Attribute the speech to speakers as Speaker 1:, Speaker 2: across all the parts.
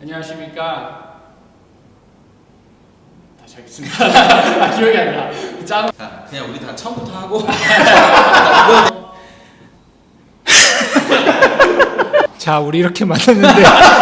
Speaker 1: 안녕하십니까. 다시 하겠습니다. 기억이 안 나. 짠.
Speaker 2: 자, 그냥 우리 다 처음부터 하고.
Speaker 3: 자, 우리 이렇게 만났는데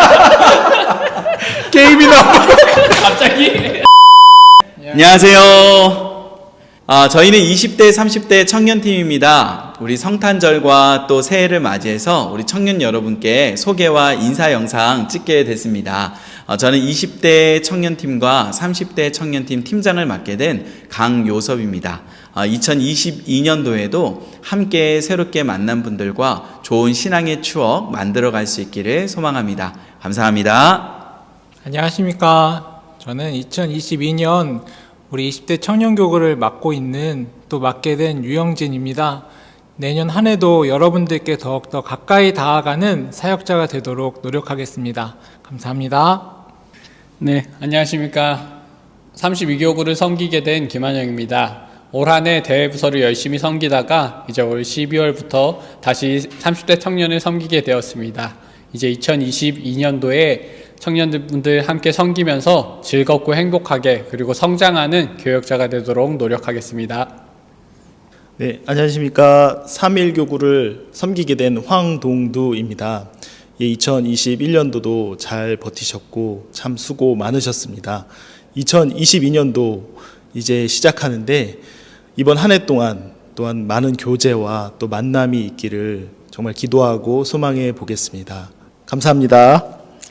Speaker 3: 게임이 나와.
Speaker 1: 갑자기.
Speaker 2: 안녕하세요. 저희는 20대, 30대 청년팀입니다. 우리 성탄절과 또 새해를 맞이해서 우리 청년 여러분께 소개와 인사 영상 찍게 됐습니다. 저는 20대 청년팀과 30대 청년팀 팀장을 맡게 된 강요섭입니다. 2022년도에도 함께 새롭게 만난 분들과 좋은 신앙의 추억 만들어갈 수 있기를 소망합니다. 감사합니다.
Speaker 3: 안녕하십니까. 저는 2022년 우리 20대 청년교구를 맡고 있는 또 맡게 된 유영진입니다. 내년 한 해도 여러분들께 더욱더 가까이 다가가는 사역자가 되도록 노력하겠습니다. 감사합니다.
Speaker 1: 네, 안녕하십니까. 32교구를 섬기게 된 김한영입니다. 올 한 해 대회부서를 열심히 섬기다가 이제 올 12월부터 다시 30대 청년을 섬기게 되었습니다. 이제 2022년도에 청년분들 함께 섬기면서 즐겁고 행복하게 그리고 성장하는 교역자가 되도록 노력하겠습니다.
Speaker 4: 네, 안녕하십니까. 3.1교구를 섬기게 된 황동두입니다. 2021년도도 잘 버티셨고 참 수고 많으셨습니다. 2022년도 이제 시작하는데 이번 한 해 동안 또한 많은 교제와 또 만남이 있기를 정말 기도하고 소망해 보겠습니다. 감사합니다.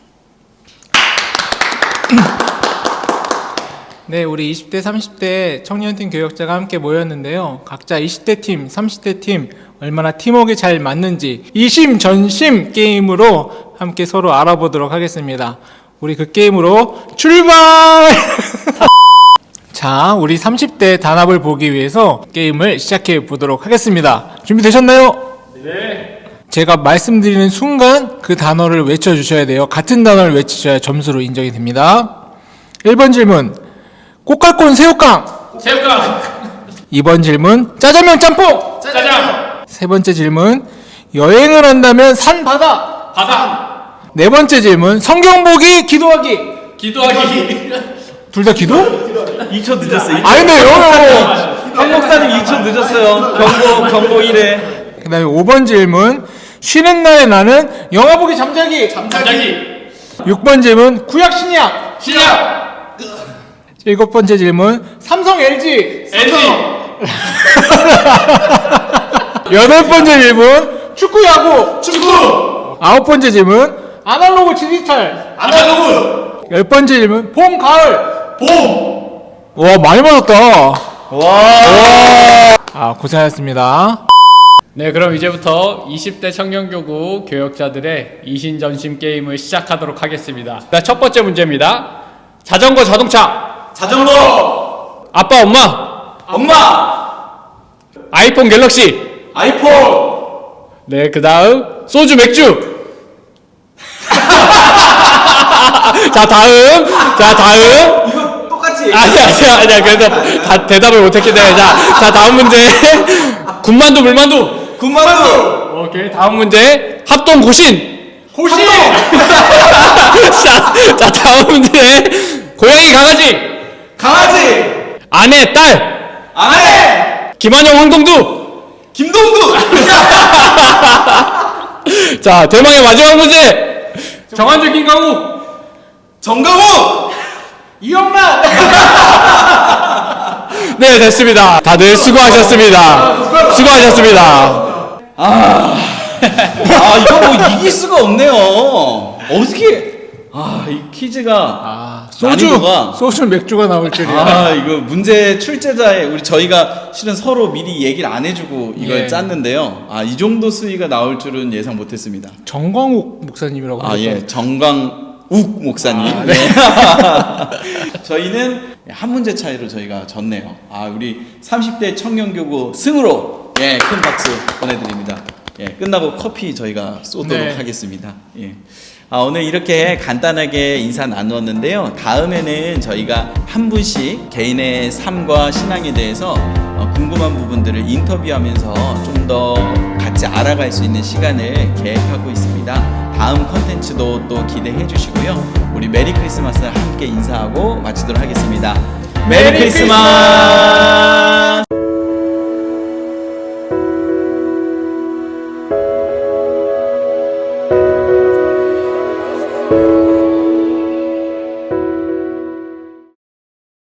Speaker 3: 네, 우리 20대, 30대 청년팀 교역자가 함께 모였는데요. 각자 20대 팀, 30대 팀 얼마나 팀워크가 잘 맞는지 이심전심 게임으로 함께 서로 알아보도록 하겠습니다. 우리 그 게임으로 출발! 자, 우리 30대 단합을 보기 위해서 게임을 시작해 보도록 하겠습니다. 준비되셨나요?
Speaker 1: 네.
Speaker 3: 제가 말씀드리는 순간 그 단어를 외쳐주셔야 돼요. 같은 단어를 외치셔야 점수로 인정이 됩니다. 1번 질문, 꽃갈콘 새우깡.
Speaker 1: 새우깡.
Speaker 3: 2번 질문, 짜장면 짬뽕.
Speaker 1: 짜장.
Speaker 3: 세 번째 질문, 여행을 한다면 산 바다.
Speaker 1: 바다.
Speaker 3: 네 번째 질문, 성경 보기 기도하기.
Speaker 1: 기도하기.
Speaker 3: 둘 다 기도?
Speaker 2: 2초 늦었어요.
Speaker 3: 아닌데요.
Speaker 2: 한 목사님 2초 늦었어요. 경고 1회.
Speaker 3: 그 다음에 5번 질문, 쉬는 날에 나는 영화 보기 잠자기.
Speaker 1: 잠자기.
Speaker 3: 6번 질문, 구약 신약.
Speaker 1: 신약.
Speaker 3: 7번째 질문, 삼성 LG.
Speaker 1: LG.
Speaker 3: 8번째 질문, 축구 야구.
Speaker 1: 축구.
Speaker 3: 9번째 질문, 아날로그 디지털.
Speaker 1: 아날로그.
Speaker 3: 10번째 질문, 봄 가을.
Speaker 1: 봄.
Speaker 3: 와, 많이 맞았다. 와. 고생하셨습니다.
Speaker 1: 네, 그럼 이제부터 20대 청년교구 교역자들의 이신전심 게임을 시작하도록 하겠습니다. 첫 번째 문제입니다. 자전거 자동차.
Speaker 2: 자전거.
Speaker 1: 아빠 엄마. 아이폰 갤럭시.
Speaker 2: 아이폰.
Speaker 1: 네, 그 다음 소주 맥주. 자 다음.
Speaker 2: 이거 똑같이.
Speaker 1: 아니야. 그래서 다 대답을 못했기 때문에 자 다음 문제. 군만두 물만두. 오케이, 다음 문제. 합동 고신. 자 다음 문제. 고양이 강아지. 아내 딸. 김한영 황동두. 자, 대망의 마지막 문제. 정한주 김강우.
Speaker 3: 이영란.
Speaker 1: 네, 됐습니다. 다들 수고하셨습니다.
Speaker 2: 이거 뭐 이길 수가 없네요. 어떻게? 이 퀴즈가 난이도가.
Speaker 3: 소주 맥주가 나올 줄이야.
Speaker 2: 이거 문제 출제자의 저희가 실은 서로 미리 얘기를 안 해주고 이걸
Speaker 3: 예.
Speaker 2: 짰는데요. 이 정도 수위가 나올 줄은 예상 못했습니다.
Speaker 3: 정광욱 목사님이라고 하셨죠?
Speaker 2: 예, 정광욱 목사님. 네. 저희는 한 문제 차이로 저희가 졌네요. 우리 30대 청년교구 승으로 큰 박수 보내드립니다. 끝나고 커피 저희가 쏘도록
Speaker 3: 네.
Speaker 2: 하겠습니다. 오늘 이렇게 간단하게 인사 나누었는데요. 다음에는 저희가 한 분씩 개인의 삶과 신앙에 대해서 궁금한 부분들을 인터뷰하면서 좀 더 같이 알아갈 수 있는 시간을 계획하고 있습니다. 다음 컨텐츠도 또 기대해 주시고요. 우리 메리 크리스마스 함께 인사하고 마치도록 하겠습니다. 메리 크리스마스!